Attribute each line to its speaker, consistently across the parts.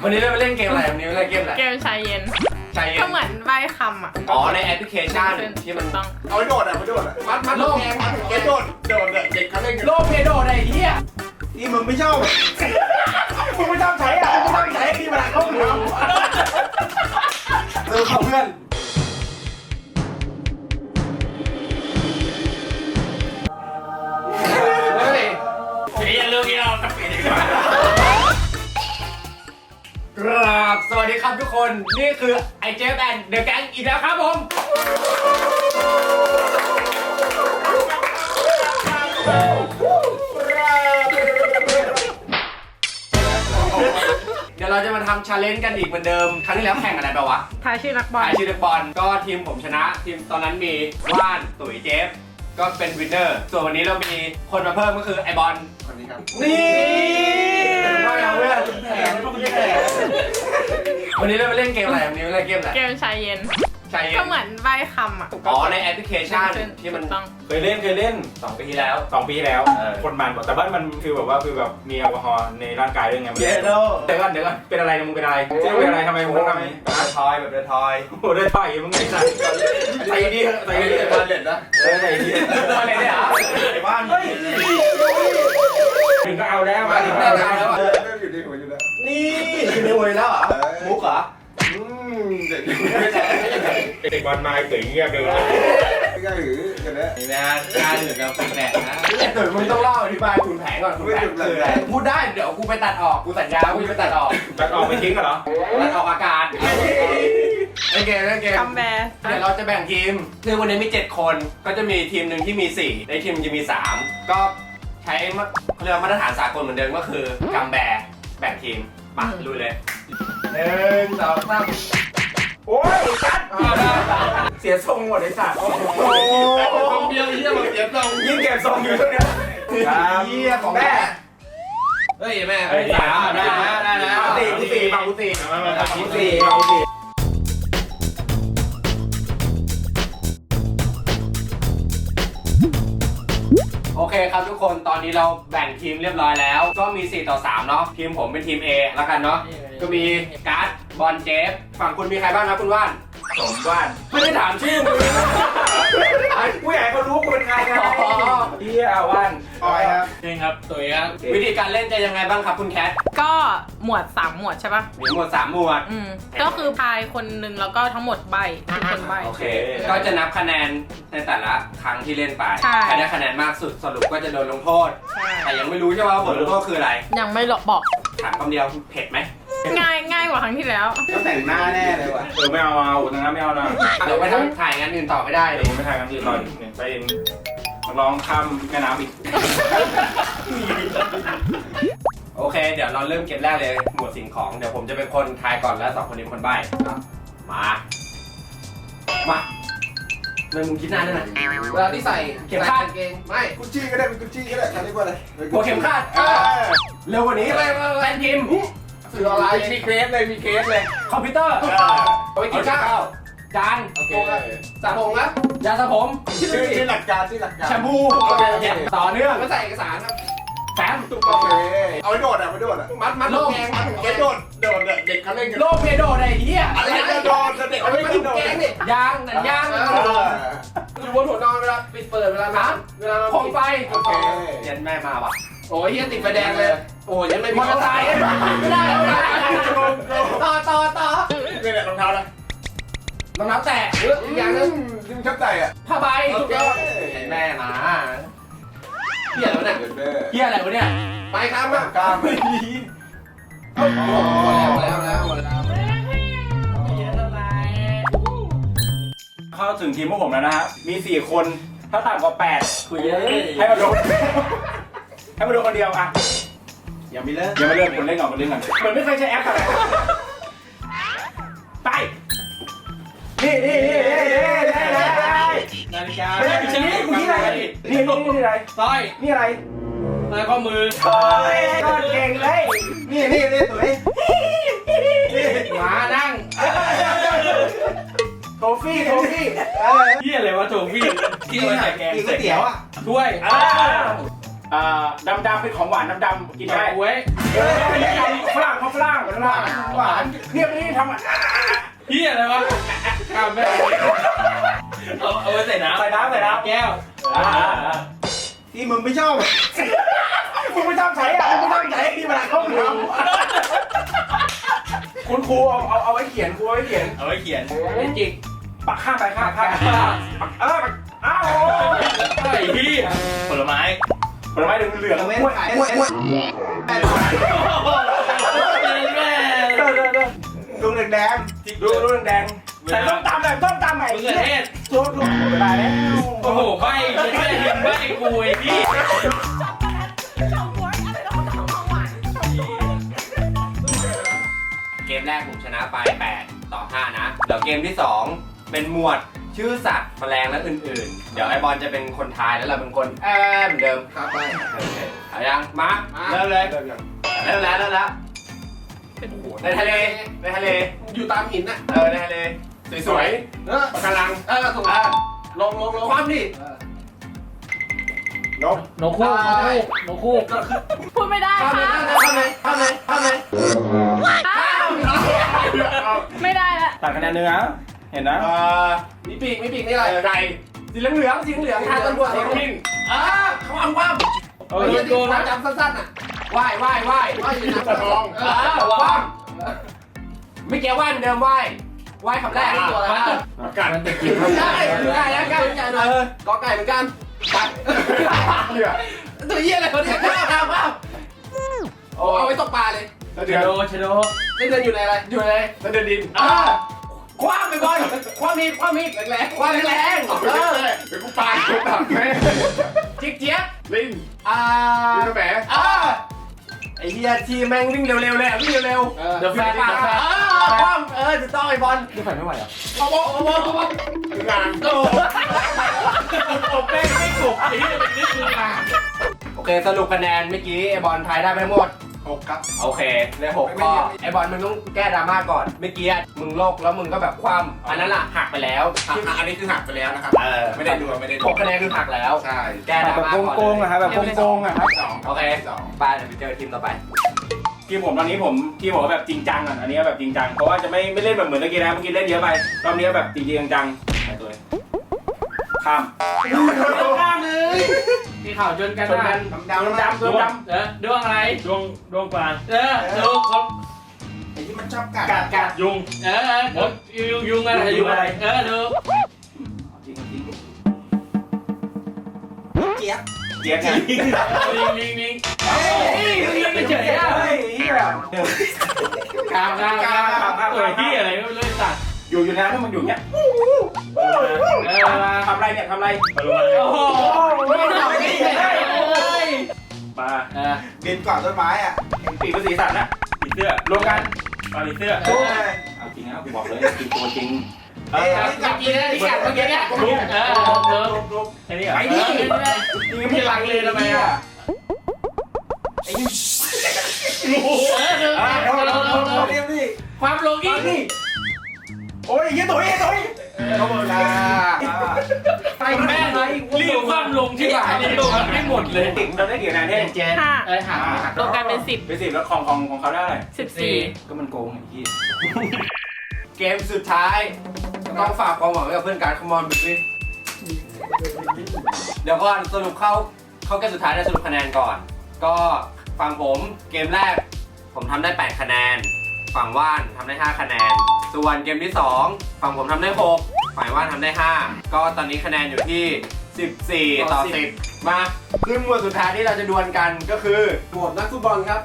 Speaker 1: วันนี้เราไปเล่นเกมอะไรวันนี้เราเล่นเกมอะไร
Speaker 2: เกมชายเย็น
Speaker 1: ชายเย็น
Speaker 2: ก็เหมือนใบคำอ่ะ
Speaker 1: อ๋อในแอปพลิเคชันที่มัน
Speaker 2: ต้อง
Speaker 3: เอาไปโดดอ่ะไปโดดอ่ะมัดโลกแกมัดแกโดดเนี่ยเด็กเขาเล่นกัน
Speaker 1: โลกเพโดไอ้เหี้ย
Speaker 3: นี่มึงไม่ชอบมึงไม่ชอบใช้อ่ะมึงไม่ชอบใช้ที่มันเข้าหัวเออเพื่อน
Speaker 1: เฮ้ยอย่าลืมที่เราจะปิดดีกว่ากราบสวัสดีครับทุกคนนี่คือไอเจฟแอนด์เดอะแก๊งอีกแล้วครับผมเดี๋ยวเราจะมาทำชาเลนจ์กันอีกเหมือนเดิมครั้งที่แล้วแข่งอะไรไปวะ
Speaker 2: ทายชื่อนักบอล
Speaker 1: ถ่ายชื่อนักบอลก็ทีมผมชนะทีมตอนนั้นมีว่านตุ๋ยเจฟก็เป็นวินเนอร์ส่วนวันนี้เรามีคนมาเพิ่มก็คือไอบอล
Speaker 3: คนนี้ครับ
Speaker 1: นี่ไม่เอาเพื่อนแผลวันนี้เราไปเล่นเกมอะไรวันนี้เราเล่นเกมอะไร
Speaker 2: เกมชายเย็น
Speaker 1: ชายเย็น
Speaker 2: ก็เหมือนใบคำอ่ะ
Speaker 1: อ๋อในแอปพลิเคชันที่มัน
Speaker 2: ต้อง
Speaker 4: เคยเล่น
Speaker 1: 2 ปีที่แล้ว
Speaker 4: 2 ปีแล้วคนมันบอกแต่ว่ามันคือแบบมีแอลกอฮอล์ในร่างกายด้วยไง
Speaker 3: เยโด
Speaker 4: เดี๋ยวก่อนเป็นอะไรมึงเป็นอะไรเป็นอะไรทำไมมึงต้องทำนี้
Speaker 3: ทอยแบบเดินทอย
Speaker 4: โอ้ได้ต่อยมึงไงสัตว์ใส่ดีใส่ดี
Speaker 3: บ้านเด็ดนะ
Speaker 4: ใส่ดี
Speaker 1: อะไรเนี่ย
Speaker 3: ไอ้บ้าน
Speaker 4: ถึงก็เอาแล้วมาถึง
Speaker 3: เริ่
Speaker 4: ได้
Speaker 3: ม
Speaker 4: แล้ว
Speaker 3: อยู่ในหัวอยู่แล้ว
Speaker 1: นี่อยู่ในหัวแล้วเหรอมุกเหรอ
Speaker 3: เด็ก
Speaker 4: เด็กบอลมาเก๋เงียบเลย
Speaker 3: ไม่กล้าหือกันนะ
Speaker 1: นี่นะการเหมือนกับคุณแผนนะแต่มึงต้องเล่าอธิบายคุณแผนก่อนคุณแผนคืออะไรพูดได้เดี๋ยวกูไปตัดออกกูสัญญากูจะไปตัดออก
Speaker 4: ตัดออกไปทิ้งเหรอ
Speaker 1: ตัดออกอากาศเล่นเกม
Speaker 2: คำแบร์
Speaker 1: เดี๋ยวเราจะแบ่งทีมคือวันนี้มี7 คนก็จะมีทีมหนึ่งที่มี4ในทีมจะมี3ก็ใช้เรื่องมาตรฐานสากลเหมือนเดิมก็คือกัมแบร์แบ่งทีมมาลุยเลย1 2 3
Speaker 4: โอ้ยจัดเสียทรงหมดไอ้สัตว์
Speaker 3: คนเดียวเยี่ยมเสียตรง
Speaker 4: ยิ่งเก็บทรงอยู่ช่วงนี้
Speaker 3: เยี่ยของแม่
Speaker 1: เฮ้ยแม่
Speaker 3: ได้
Speaker 1: กูสี่มากูสี่ โอเคครับทุกคนตอนนี้เราแบ่งทีมเรียบร้อยแล้วก็มี4 ต่อ 3เนาะทีมผมเป็นทีม A แล้วกันเนาะก็มีการ์ดบอลเจฟฝั่งคุณมีใครบ้างนะคุณว่าน
Speaker 4: สมบ้าน
Speaker 1: ไม่ได้ถามชื่อมึง
Speaker 4: ผู้ใหญ่เขารู้กูเป็นใครไงเฮียว่าน
Speaker 3: ออยครับ
Speaker 5: จริงครับตุ๋ยครับ
Speaker 1: วิธีการเล่นจะยังไงบ้างครับคุณแคท
Speaker 2: ก็หมวด3หมวดใช่ปะ
Speaker 1: มีหมวด3 หมวด
Speaker 2: ก็คือพายคนหนึ่งแล้วก็ทั้งหมดใบเป็นคนใบ
Speaker 1: โอเคก็จะนับคะแนนในแต่ละครั้งที่เล่นไป
Speaker 2: ใช่
Speaker 1: ใครได้คะแนนมากสุดสรุปก็จะโดนลงโทษ
Speaker 2: ใช่
Speaker 1: แต่ยังไม่รู้ใช่ไหมว่าบทลงโทษคืออะไร
Speaker 2: ยังไม่บอก
Speaker 1: ถามคำเดียวเผ็ดไหม
Speaker 2: ง่ายกว่าครั้งที่แล้ว
Speaker 3: ต้องแต่งหน้าแน่เลยว่ะ
Speaker 4: ไม่เอาตรงนั้นไม่เอานะ
Speaker 1: เดี๋ยวไปทำถ่ายงานอื่นต่อไม่ได้เล
Speaker 4: เดี๋ยวย ผมไปถ่ายกันอื่นต่ออีกไปร้องข้ามแม่น้ำอีก
Speaker 1: โอเค เดี๋ยวเราเริ่มเกมแรกเลยหมวดสิ่งของเดี๋ยวผมจะเป็นคนทายก่อนแล้ว2 คนนี้เป็นคนใบ้มามึงคิดนานได้ไหม
Speaker 3: เวลาที่ใส่
Speaker 1: เข็มขัด
Speaker 3: เกงไม่กุชชี่ก็ได้เป็นกุชชี่ก็ได้เขาเรียกว่าอะไร
Speaker 1: หัวเข็มขัดเร็วกว่านี้แฟนพิมพ์
Speaker 3: สื่ออะไรมีเคสเลยมีเคสเลย
Speaker 1: คอมพิวเตอร์
Speaker 3: เอาไปกินข้าว
Speaker 1: จาน
Speaker 3: โอเคสระผมนะ
Speaker 1: ยาสระผม
Speaker 3: ชื่อหลักการชื่อหลักการ
Speaker 1: แชมพูต่อเนื่อง
Speaker 3: ก็ใส่เอกสารครับ
Speaker 1: แฟ้ม
Speaker 3: โอเคเอาไปโดดอ่ะไปโดดอ่ะมัดโลกแกงมัดแกงโดดเด็กเขาเล่นกัน
Speaker 1: โลเพโดไอ้เหี้ย
Speaker 3: อะไรจะโดดเด็กเขาเล่นกันโดด
Speaker 1: ยางหนังยาง
Speaker 3: อยู่บนหัวนอนเวลาปิดเปิดเวลาน้ำเวลา
Speaker 1: โคมไฟ
Speaker 3: โอเค
Speaker 1: เย็นแม่มาว่ะ
Speaker 3: โอ้ยเฮียติดไฟแดงเลยโอ้ยยังไม่
Speaker 1: มอเตอร์ไซค์ไม่ได้ต่อ
Speaker 3: นี่แหละรองเท้านะ
Speaker 1: รองเท้าแตะ
Speaker 3: อีกอย่างนึงที่มึงชอบใส่อ่ะ
Speaker 1: ผ้าใบ
Speaker 3: โอเค
Speaker 1: แม่มาเหี้ยแล้วเนี่ย เหี้ยอะไรวะเนี่ย
Speaker 3: ไปข้ามกล้ามไม่ดีแล้ว
Speaker 4: เข้าถึงทีมพวกผมแล้วนะฮะมี4 คนถ้าต่ำกว่า8
Speaker 5: คุยเยอะ
Speaker 4: ให้มาโดนคนเดียวอ่ะ
Speaker 3: ยังไม่เลิก
Speaker 4: ยังไม่เริ่มคนเล่นก่อนเหมือนไม่เคยใช้แอปอะไรไปนี่
Speaker 5: นาฬิกา
Speaker 4: ไม่ใช่พี่ชี้กูที่อะไรนี่อะไร
Speaker 5: สร้อย
Speaker 4: นี่อะไร
Speaker 5: สร้อยข้อมือ
Speaker 4: โอ้ยก็เก่งเลย
Speaker 3: นี่ตุ๋ย
Speaker 1: หมานั่ง
Speaker 4: โทฟี่
Speaker 5: เฮียอะไรวะโถพี่
Speaker 4: กินก๋วยเตี๋ยวอ่ะ
Speaker 5: ถ้วย
Speaker 4: ดำเป็นของหวานดำกินได้
Speaker 5: ไว้
Speaker 4: ฝรั่งเขาฝรั่งหวานเนี่ยไม่ได้ทำอ่ะ
Speaker 5: เฮียอะไรวะข้ามแม่เอาไว้ใส่น้ำ
Speaker 4: ใส่น้ำ
Speaker 5: แก้ว
Speaker 3: ที่มึงไม่ชอบมึงไม่ชอบใช้อ่ะมึงไม่ชอบใช้ที่มันเข้าน้ำ
Speaker 4: คุณครูเอาไว้เขียนครูเอาไว้เขียน
Speaker 5: เอาไว้เขียนไว้จิก
Speaker 4: ปักข้ามไปข้ามอ้าว
Speaker 5: ไอ้เฮียผลไม้
Speaker 4: ผลไม้เหลืองๆ
Speaker 3: ลูกแดง
Speaker 4: ดูแดงใส่ต้มตำแบบต้มตำใหม่
Speaker 5: มะเขือเทศ
Speaker 4: โจ๊กไม่ได้แล้ว
Speaker 5: โอ้โหใบไม่ใช่หินใบกูไอ้พี่
Speaker 1: เกมแรกผมชนะไป8-5นะเดี๋ยวเกมที่2เป็นหมวดชื่อสัตว์แมลงและอื่นๆเดี๋ยวไอบอลจะเป็นคนทายแล้วเราเป็นคนเหมือนเดิม
Speaker 3: ครับไป
Speaker 1: โอเคเอายังมาเริ่มเลยเริ่มแล้วในทะเล
Speaker 3: อยู่ตามหินน่ะ
Speaker 1: ในทะเลสวยๆปะการัง
Speaker 3: ถูกลง
Speaker 1: ความดิ
Speaker 3: ลง
Speaker 5: นกคู่
Speaker 2: พูดไม่ได้
Speaker 1: ข้าม
Speaker 2: ค่ะ
Speaker 1: เลย
Speaker 2: ไม่ได้ละ
Speaker 4: ตัดคะแนนเนื้อเห็นนะ
Speaker 3: มีปีกนี่อะไร
Speaker 1: ไก่สีเหลืองทางตำรวจทิ้งความ
Speaker 4: โอ้ย
Speaker 3: โดนจำสั้นๆอ่ะ
Speaker 1: ว่าย
Speaker 3: ว่าอยู่ในทอง
Speaker 1: ความไม่เกี่ยวว่ายเหมือนเดิมว่ายคำแรก
Speaker 3: ตัวอะไร
Speaker 5: กัดมันจะกิน
Speaker 1: ได้แล้วกัน
Speaker 3: หน่อยกอไก่เหมือนกันตัวเยี่ยอะไรเขาเนี่ยข้าวเอาไว้ตกปลาเลย
Speaker 5: เชโด
Speaker 3: เดินอยู่ในอะไร
Speaker 1: อยู่เลยแล้วเดินดินคว้าไปบอลคว้ามีแรงคว้าแรงเป็นผู้ปลาตัวต่ำไหมจิ๊กเจี๊ยบลิงลิงแฝงไอ้เหี้ยทีแม่งวิ่งเร็วๆเลยวิ่งเร็ว
Speaker 5: เดอะแฟร์
Speaker 1: คว้าจะต้องไอ้บอล
Speaker 4: นี่ใส่ไม่ไหวอ่ะ
Speaker 1: เอางานโต
Speaker 5: ผมแป้งไม่กบไอ้เฮียเป็นนิดนึงอ่ะ
Speaker 1: โอเคสรุปคะแนนเมื่อกี้ไอ้บอลทายได้ไปหมด
Speaker 3: 6ครับ
Speaker 1: โอเคได้6ข้อไอ้บอลมึงต้องแก้ดราม่าก่อนเมื่อกี้มึงโลกแล้วมึงก็แบบคว่ำอันนั้นล่ะหักไปแล้ว
Speaker 3: อันนี้คือหักไปแล้วนะครับ ไม่ได้ดู
Speaker 1: 6คะแนนคือหักแล้ว
Speaker 3: ใช่
Speaker 1: แก้ดรา
Speaker 4: แบบ
Speaker 1: ม่าก่อน
Speaker 4: โกงๆอะครับแบบโกงๆอะครับ
Speaker 1: โอเคไปเดี๋ยวไปเจอทีมต่อไป
Speaker 4: ทีมผมตอนนี้ทีมผมแบบจริงจังอ่ะอันนี้แบบจริงจังเพราะว่าจะไม่เล่นแบบเหมือนเมื่อกี้นะเมื่อกี้เล่นเยอะไปรอบนี้แบบจริงจังๆไปตัวข้ามเลย
Speaker 5: มีข่าวจนกัน
Speaker 4: ชนกันดำดวง
Speaker 5: ดวงอะไร
Speaker 4: ดวงกลาง
Speaker 5: ดวงคน
Speaker 3: ไอ้ที่มันชอบกัด
Speaker 4: ยุง
Speaker 5: ยุงอะไรยุงอะไรดู
Speaker 4: จริง
Speaker 3: เจี๊ยบ
Speaker 4: เจี๊ยบไง
Speaker 5: ลิงไม่เฉยอ่ะ
Speaker 4: เฮีย
Speaker 5: ข้าวที่อะไรไม่รู้ตัด
Speaker 4: อยู่นะถ้ามันอยู่เนี้ยทำไรเนี่ยทำไร
Speaker 5: โอ้โหไม่ทำไม่ได้
Speaker 4: ปลา
Speaker 3: บินก่อนต้นไม้อ่ะ
Speaker 4: ปีกภาษีสัตว์นะปีเสื้อรวมกันปลาปีเสื้อเอาจริงนะบอกเลยจริงตัวจริง
Speaker 3: เอ้ยกัด
Speaker 5: กินที่กัดเมื่อกี้เนี่ยลุก
Speaker 4: แค่นี้
Speaker 3: ไป
Speaker 4: อ่ะ
Speaker 3: ดิ
Speaker 4: ยังไม่ลังเลยทำไมอ่ะ
Speaker 3: ไอ้ยู
Speaker 5: เรียบดิความลงอีกนี่
Speaker 4: โอ้ยยี่ตุ๋ย
Speaker 3: เขาบอกนะ
Speaker 5: ไปแม่เลยรีบความลงที่ไหนนี่ลงไม่หมดเลย
Speaker 4: เราได้กี่คะแนนเนี่ย
Speaker 2: 5
Speaker 5: หาร
Speaker 2: วมกันเป็น
Speaker 4: ไปสิแล้วของเขาได้อะไร
Speaker 2: 10 14
Speaker 4: ก็มันโกงไอ้ที่
Speaker 1: เกมสุดท้ายต้องฝากความหวังไว้กับเพื่อนการคอมอนบิสิเดี๋ยวก่อนสรุปเข้าเกมสุดท้ายได้สรุปคะแนนก่อน ก็ฝั่งผมเกมแรกผมทำได้8คะแนนฝั่งว่านทำได้5คะแนนส่วนเกมที่2ฝั่งผมทำได้6ฝ่ายว่านทำได้5ก็ตอนนี้คะแนนอยู่ที่14-10มาขึ้นหมวดสุดท้ายที่เราจะดวลกันก็คือ
Speaker 3: โหวตนักฟุตบอลครับ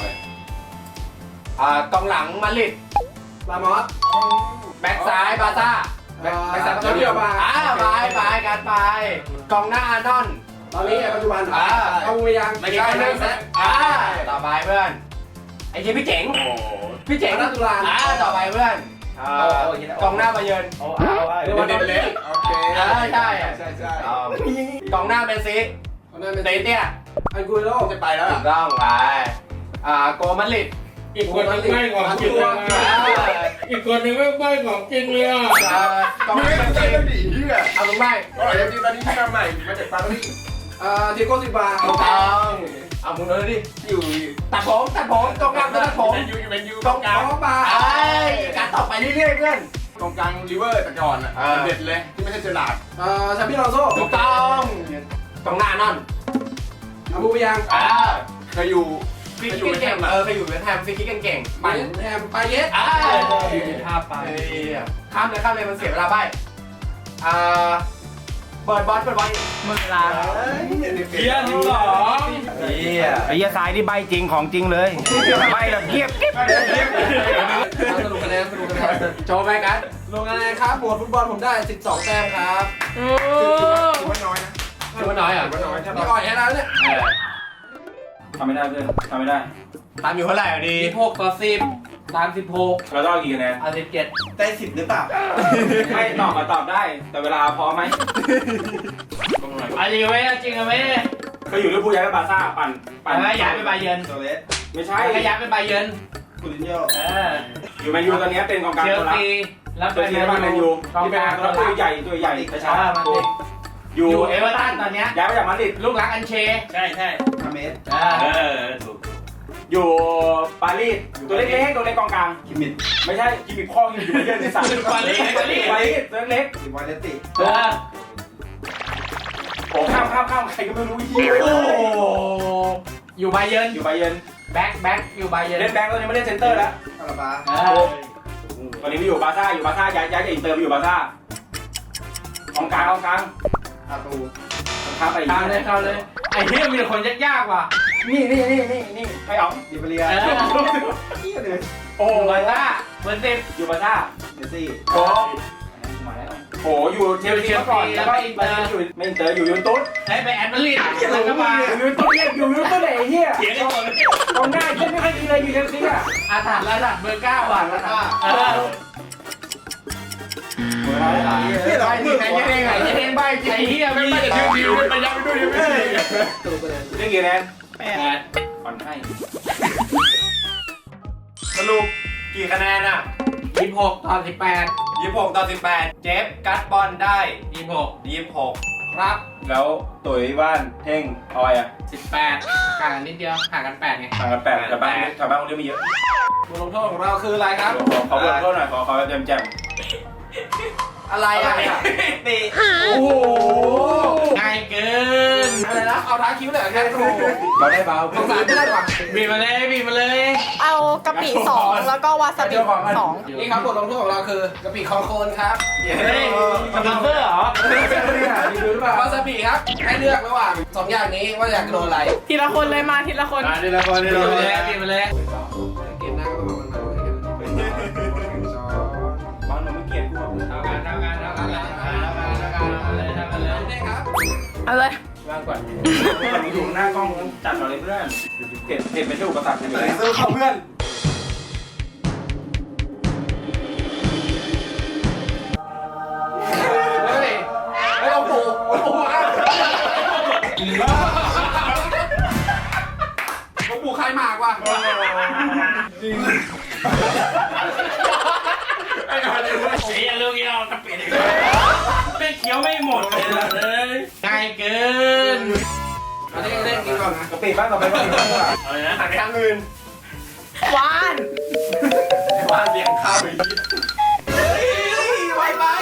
Speaker 1: กองหลังมาดริด
Speaker 3: ลามอส
Speaker 1: แบ็คซ้ายบาร์ซ่าแบ็คซ้าย
Speaker 3: เดียวมา
Speaker 1: ไปกันไปกองหน้าอาร์นอน
Speaker 3: ตอนนี้ปัจจุบันเอาไปยัง
Speaker 1: ไม่ใช่คนนึงต่อไปเพื่อนไอ้ทีพี่เจ๋งพี่เจ๋ง
Speaker 3: นักตุลา
Speaker 1: ต่อไปเพื่อนกองหน้าบาเยิร์น
Speaker 3: เด่นเลยโอเคใช่
Speaker 1: กองหน้าเมสซี่เตเตี้ย
Speaker 3: อันกุยโลจะไปแล้ว
Speaker 1: ถูกต้องไปโกมาดริด
Speaker 5: อีกคนนึงไม่ของจริงเลยอีกคนนึงไม่ของจริงเลยอ่ะ
Speaker 1: กองหน้าเมสซี่
Speaker 3: ดีเหี้ย
Speaker 1: เอาลงไป
Speaker 3: อร่อยจริงตอนนี้ที่ทำใหม่มาจากปารีสเทโก้ซิบา
Speaker 1: ถูกต้องเอามึงเลยดิอยู่ตัดผมกองกลางตัดผม
Speaker 3: เป็นยู
Speaker 1: กองกลางมาการต่อไปเรื่อยๆเพื่อน
Speaker 3: กองกลางลิเวอร์แต่ก่อนอ่ะเด็ดเลยที่ไม่ใช่เจอร์ลาร์ดชาบิลอนโซ่
Speaker 1: ถูกต้องกองหน้านอน
Speaker 3: อาบูยังเคยอยู่
Speaker 1: ฟรีคิกเก่งเคยอยู่เวสต์แฮมฟรีคิกเก่ง
Speaker 3: ไปแฮมไปเยส
Speaker 5: ท่าไป
Speaker 1: ข้ามเลยมันเสียเวลาใบเปิดบอล
Speaker 2: หมดเวลา
Speaker 5: เพี้ยนหรอ
Speaker 4: ไอ้เหี้ยทรายนี่ใบจริงของจริงเลยใบแบบเกียบกิ๊บ
Speaker 3: สรุปคะแนน
Speaker 1: โชว์ไปกัน
Speaker 3: ลงคะแนนครับหมวดฟุตบอลผมได้12แต้มครับ
Speaker 2: โอ้
Speaker 3: ถือว่าน้อยนะ
Speaker 1: ถือว่าน้อยอ่ะ
Speaker 3: ถือว่าน้อยถ้าไม่อ่อยแค่นั้นเนี่ย
Speaker 4: ทำไม่ได้เพื่อนทำไม่ได้
Speaker 1: ตามอยู่เท่าไหร่อ่ะดี
Speaker 5: 16/10
Speaker 4: เราต้องเอากี่คะแนน
Speaker 5: 17
Speaker 3: ได้10หรือเปล่า
Speaker 4: ไม่ตอบได้ แต่เวลาพอไหม
Speaker 5: จริงไหมจริงไหม
Speaker 4: เคยอยู่ลิเวอร์พูลย้ายไปบาร์ซ่าปั่น
Speaker 5: ย้ายไปบาเยิร์น
Speaker 3: โซเลส
Speaker 4: ไม่ใช่
Speaker 5: ย้ายไปบาเยิร์น
Speaker 3: คูลินโญ่
Speaker 4: อยู่แมนยูตอนนี้เป็นกองกลาง
Speaker 5: เชล
Speaker 4: ตัวรับ
Speaker 5: ซีแล้ว
Speaker 4: เชลซีแล้วมาแมนยูที่เป็นตัวใหญ่กระชับอยู่
Speaker 5: เอเวอร์ตันตอนเนี้ย
Speaker 4: ย้ายมาจากมาดริด
Speaker 5: ลูกรักอันเชใช่
Speaker 3: คาเมส
Speaker 5: ถูก
Speaker 4: อยู่ปารีสตัวเล็กๆตัวเล็กกองกลาง
Speaker 3: คิมมิน
Speaker 4: ไม่ใช่กิมมิคข้ออยู่บาเยิร์นที่สั่งปารีสตัวเล็ก
Speaker 3: สิวาเลติ
Speaker 4: โอ้ข้ามใครก็ไม่รู้เฮีย
Speaker 5: อยู่บาเยิร์น
Speaker 4: อยู่บาเยิร์น
Speaker 5: แบ็คอยู่บาเยิร์น
Speaker 4: เล่นแบงค์ตอนนี้ไม่เล่นเซนเตอร์แล้ว
Speaker 3: คาราบา
Speaker 4: ตอนนี้ไม่อยู่บาร์ซ่าย้ายจากอินเตอร์ไปอยู่บาร์ซ่ากองกลาง
Speaker 3: อาตู
Speaker 4: ข้ามไป
Speaker 5: เข้าเลยไอ้เหี้ยมีแต่คนยากๆว่ะ
Speaker 4: นี่ไปเอา
Speaker 3: ดิบเรียเลย
Speaker 4: โอ้
Speaker 5: บาซ่าเบอร์สิบ
Speaker 4: อยู่บาร์ซ่า
Speaker 3: เดซี่
Speaker 4: โอ้โหอยู่เชลซีมาก่อนแล้วก็อินเตอร์อยู่ไม่อินเตอร์อยู่ยูเวนตุส
Speaker 5: ได้ไปแอนเบอร์ลินแล้วก็มา
Speaker 4: อยู่ยูเวนตุสเนี่ยอยู่ยูเวนตุสไหนเฮีย
Speaker 5: เถียงกันหมดเลย
Speaker 4: ตรงหน้าเช่นไม่ค่อยดีเลยอยู่เชลซีอ่ะ
Speaker 5: อาถรรพ์ระดับเบอร์9ว่ะระดับ
Speaker 3: นี่เรา
Speaker 1: ที่ไหนยังไงใบ
Speaker 5: ไอ้เหี้ยไม่ได้ดิวไปยับไปด้วยยังไม่ได้
Speaker 3: ตูไปเลย
Speaker 4: เล่นกี่คะแนน
Speaker 5: 8
Speaker 4: ผ่อนให้
Speaker 1: สรุปกี่คะแนนอ่ะ
Speaker 5: 26/18
Speaker 1: 26/18เจฟกัดบอลได้
Speaker 5: 26
Speaker 1: ครับ
Speaker 4: แล้วตุ๋ยว่านเท่งออยอ่ะ
Speaker 5: 18ห่างกันนิดเดียวห่างกัน8ไง
Speaker 4: ห่างกัน8แต่บ้านคนเดียวไม่เยอะ
Speaker 3: บทลงโทษของเราคืออะไรครับ
Speaker 4: ขอเบิร์โทษหน่อยขอแจม
Speaker 1: อะไรอ่ะตี
Speaker 3: โอ้โห
Speaker 5: ง่ายเกิน
Speaker 3: อะไรนะเอาท้าคิ้วเลยแค่โอ้โห
Speaker 4: ๆเราได้เบา
Speaker 3: สงสารเพื่อนว่ะ
Speaker 5: บีบมาเลย
Speaker 2: เอากะปิ2แล้วก็วาซาบิ2
Speaker 3: นี่ครับบทลงโทษของเราคือกะปิคองโคนครับ
Speaker 5: เฮ้ยสปอนเซอร์เหรอ
Speaker 3: ดูหรือเปล่าวาซาบิครับให้เลือกระหว่าง2อย่างนี้ว่าอยากโดนอะไร
Speaker 2: ทีละคนเลยมาทีละคน
Speaker 5: บีบมาเลย
Speaker 3: เกมหน้าก็ต้องมา
Speaker 4: บ
Speaker 3: มัน
Speaker 4: างหนูไม่เกลียดกูหรอก
Speaker 5: ทำกันเลย
Speaker 3: นี่ครับ
Speaker 2: เอาเลย
Speaker 5: ว่างก่อน
Speaker 4: อยู่หน้ากล้องจัดเราเลยเพื่อนเผ็ดไม่ใช่อุปสรรคใช่ไหม
Speaker 3: ซื้อเข้าเพื่อนเฮ้ยเอาปูมาผมปูใครมากว่ะ
Speaker 5: ไอ้ลูกเงี้ยกระปิดเป็นเคี้ยวไม่หมดเลยง่ายเกิน
Speaker 3: อันนี้เล่นกินก่อนนะ
Speaker 4: กะปิบ้างต่อไปบ้าง
Speaker 5: อะไรนะ
Speaker 1: หันไปทางอื่น
Speaker 2: วาน
Speaker 1: ว่าเสียงข้าวอีก
Speaker 3: ไป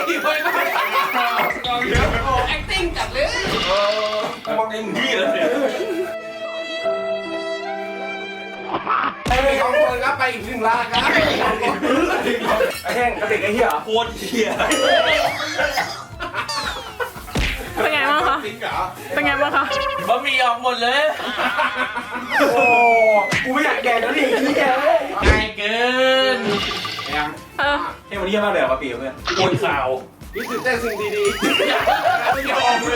Speaker 3: เดี๋ยวโอ้ acting จัดเลยมองในมือเลยไปสองคนครับไปอีก1 ล้านครับ
Speaker 4: ไอ้แห้งกะปิไอ้เหี้ย
Speaker 5: โคตรเหี้ย
Speaker 2: เป็นไงบ้างคะ
Speaker 3: จริงเหรอ
Speaker 2: เป็นไงบ้างคะ
Speaker 5: บะหมี่ออกหมดเลย
Speaker 4: โอ้กูไม่อยากแดกแล้วดินี่แกเลย
Speaker 5: ง่ายเกิน
Speaker 3: ยัง
Speaker 2: เออ
Speaker 4: เฮ้ยวันนี้เยี่ยมมากเลยกะปิเพื่อน
Speaker 5: ปวดข่าว
Speaker 3: นี่คือแต่สิ่งดีๆไม่ยอมเลย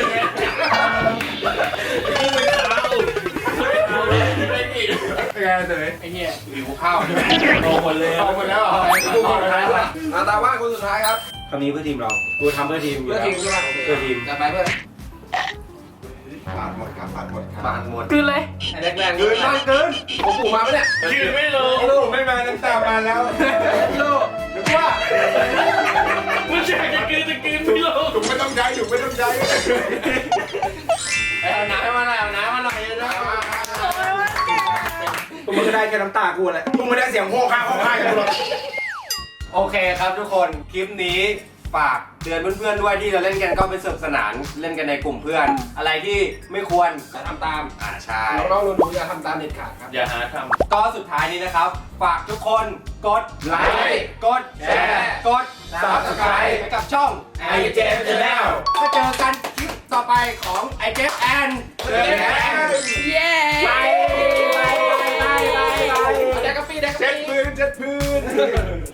Speaker 3: เป็นไงเต๋ย
Speaker 5: ไอ้เหี้ย
Speaker 3: หิวข้าว
Speaker 5: โตหมดเลย
Speaker 3: เอาหมดแล้วเหรอดูคนสุดท้ายละตาว่างคนสุดท้ายครับ
Speaker 4: คำนี้เพื่อทีมเรากูทำเพื่อทีมอยู่
Speaker 3: เพื่อ
Speaker 4: แล้ว
Speaker 3: ทีมใช่ไหม
Speaker 4: เพื่อทีม
Speaker 3: จะไปเพื่อนผ่านหมดครับผ่านหมดครับ
Speaker 1: บานหมด
Speaker 2: คือเลย
Speaker 3: แรงๆเกินมากเกินผมปู่มาปะเนี่ย
Speaker 5: ยืนไม่ลง
Speaker 3: ลูกไม่มาน้ำตามาแล้วลูกหรือว่า
Speaker 5: ผู้ชายจะกินไม่ลง
Speaker 3: ถูกไม่ต้องใจถูกไม่ต้องใจ
Speaker 1: เอาน้ำมาหน่อยเอาน้ำมาหน่อยนะ
Speaker 2: โอ้ยว่า
Speaker 3: มึงก็ได้แค่น้ำตากูแหละมึงไม่ได้เสียงโห่ข้างกันกูหรอก
Speaker 1: โอเคครับทุกคนคลิปนี้ฝากเตือนเพื่อนๆด้วยที่เราเล่นกันก็เป็นสนุกสนานเล่นกันในกลุ่มเพื่อน อะไรที่ไม่ควร
Speaker 3: จะทำตาม
Speaker 1: ใช่
Speaker 3: น้องๆหนูๆอย่าทำตามเด็ดขาดครับ
Speaker 5: อย่าหาท
Speaker 1: ก็สุดท้ายนี้นะครับ ฝากทุกคนกดไลค์กดแชร์กด Subscribe ให้กับช่อง
Speaker 5: IJF Channel
Speaker 1: ก็เจอกันคลิปต่อไปของ IJF and
Speaker 2: เย้
Speaker 1: ไป
Speaker 3: แดกกะปี
Speaker 1: เจ็ดพื้น